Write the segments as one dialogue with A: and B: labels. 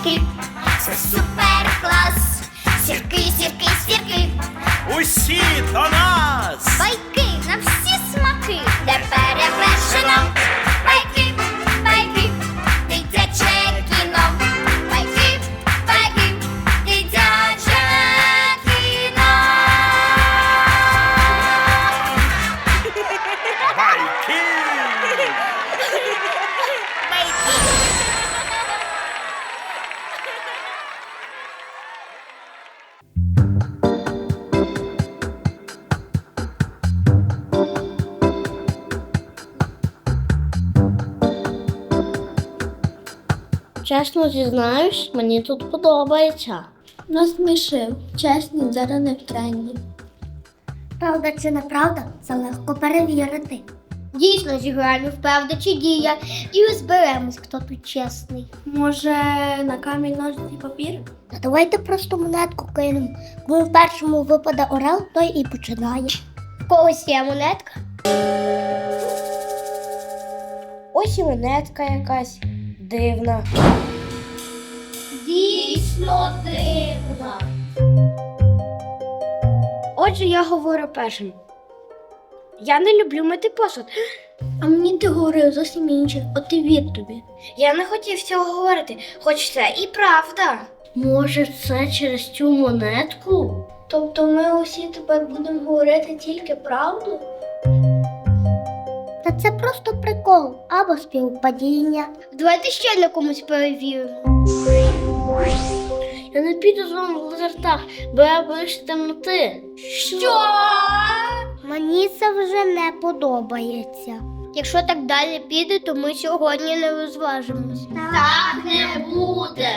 A: зірки, це супер клас. Сірки, сірки, сірки,
B: Усі до нас!
A: байки на всі смаки, де перевершено. Байки, байки, дитяче кіно. Байки, байки, дитяче кіно.
B: Байки!
C: Чесно зізнаюсь, мені тут подобається.
D: Насмішив. Чесні, зараз не в тренді.
A: Правда чи неправда, це легко перевірити.
C: Дійсно зіграємо в правда чи дія і розберемось, хто тут чесний.
D: Може, на камінь, ножиці, папір?
A: Та давайте просто монетку кинемо. Коли в першому випаде орел, той і починає.
C: В когось є монетка? Ось і монетка якась дивна.
A: Дійсно дивно.
C: Отже, я говорю першим. Я не люблю мити посуд.
D: А мені ти говорив зовсім інше, от і вір тобі.
C: Я не хотів цього говорити, хоч це і правда. Може, це через цю монетку?
D: Тобто ми усі тепер будемо говорити тільки правду?
A: Та це просто прикол або співпадіння.
C: Давайте ще на комусь перевіримо. Я не піду з вами в лазертаг, бо я боюсь темноти. Що?
A: Мені це вже не подобається.
C: Якщо так далі піде, то ми сьогодні не розважимось.
A: Так
C: не буде.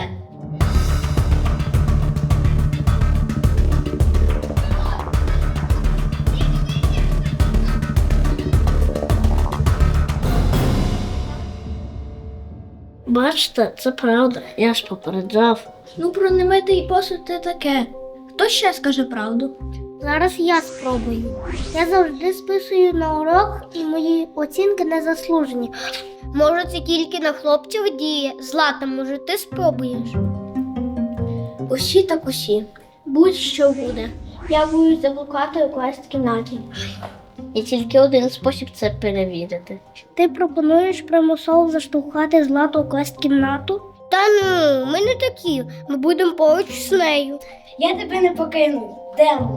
C: Бачите, це правда, я ж попереджав.
D: Ну, про немитий посуд це таке. Хто ще скаже правду?
A: Зараз я спробую. Я завжди списую на урок і мої оцінки не заслужені.
C: Може, це тільки на хлопців діє. Злата, може, ти спробуєш?
D: Усі так усі. Будь-що буде. Я буду заблукати у класі кімнаті.
C: І тільки один спосіб це перевірити.
A: Ти пропонуєш примусово заштовхати Злату у клас-кімнату?
C: Та ну, ми не такі. Ми будемо поруч з нею.
D: Я тебе не покину. Демо.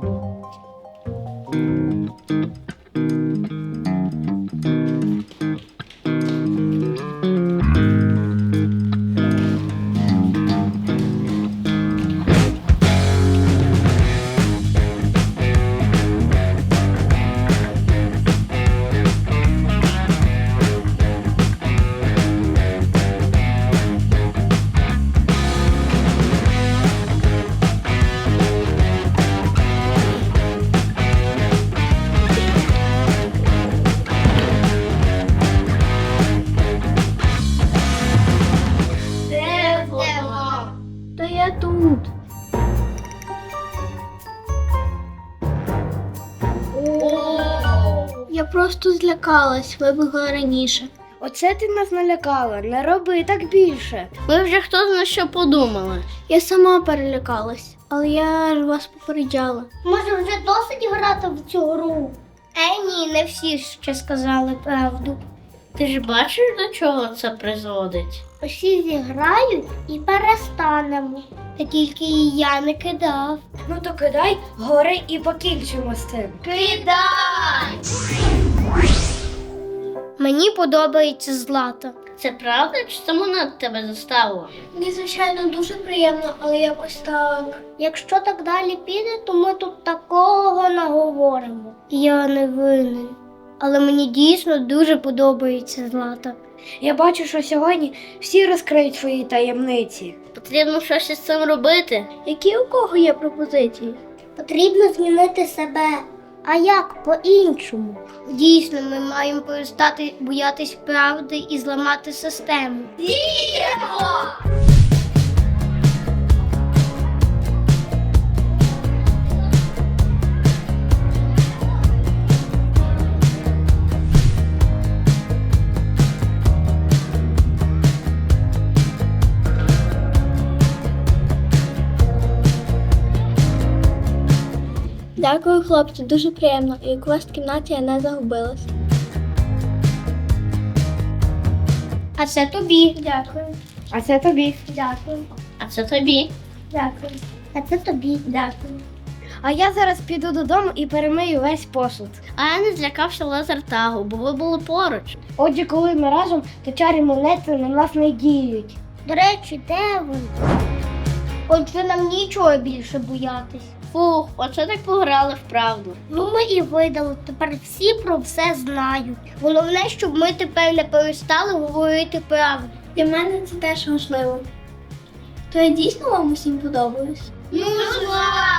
D: Та я тут. Я просто злякалась, вибігла раніше.
C: Оце ти нас налякала. Не роби так більше. Ми вже хто зна що подумали.
D: Я сама перелякалась, але я ж вас попереджала.
A: Може, вже досить грати в цю гру?
C: Ні, не всі ще сказали правду. Ти ж бачиш, до чого це призводить?
A: Усі зіграють і перестанемо.
C: Та тільки і я не кидав.
D: Ну то кидай гори і покінчимо з цим.
C: Кидай! Мені подобається Злата. Це правда, чи це вона тебе заставила?
D: Мені, звичайно, дуже приємно, але якось так.
A: Якщо так далі піде, то ми тут такого наговоримо.
C: Я не винен. Але мені дійсно дуже подобається Злата.
D: Я бачу, що сьогодні всі розкриють свої таємниці.
C: Потрібно щось із цим робити.
D: Які у кого є пропозиції?
A: Потрібно змінити себе. А як по-іншому?
C: Дійсно, ми маємо перестати боятись правди і зламати систему.
A: Діємо!
D: Дякую, хлопці, дуже приємно. І у квест-кімнаті я не загубилась.
A: А це тобі.
D: Дякую.
A: А це тобі.
D: Дякую.
C: А це тобі.
D: Дякую.
A: А це тобі.
D: Дякую.
A: А я зараз піду додому і перемию весь посуд.
C: А я не злякався лазертагу, бо ви були поруч.
A: Отже, коли ми разом, то чарі монети на нас не діють. До речі, де вони? Отже, нам нічого більше боятись.
C: Фух, оце так пограли в правду.
A: Ну, ми і видали. Тепер всі про все знають. Головне, щоб ми тепер не перестали говорити правду.
D: Для мене це теж важливо. То я дійсно вам усім подобаюсь?
A: Ну, звай!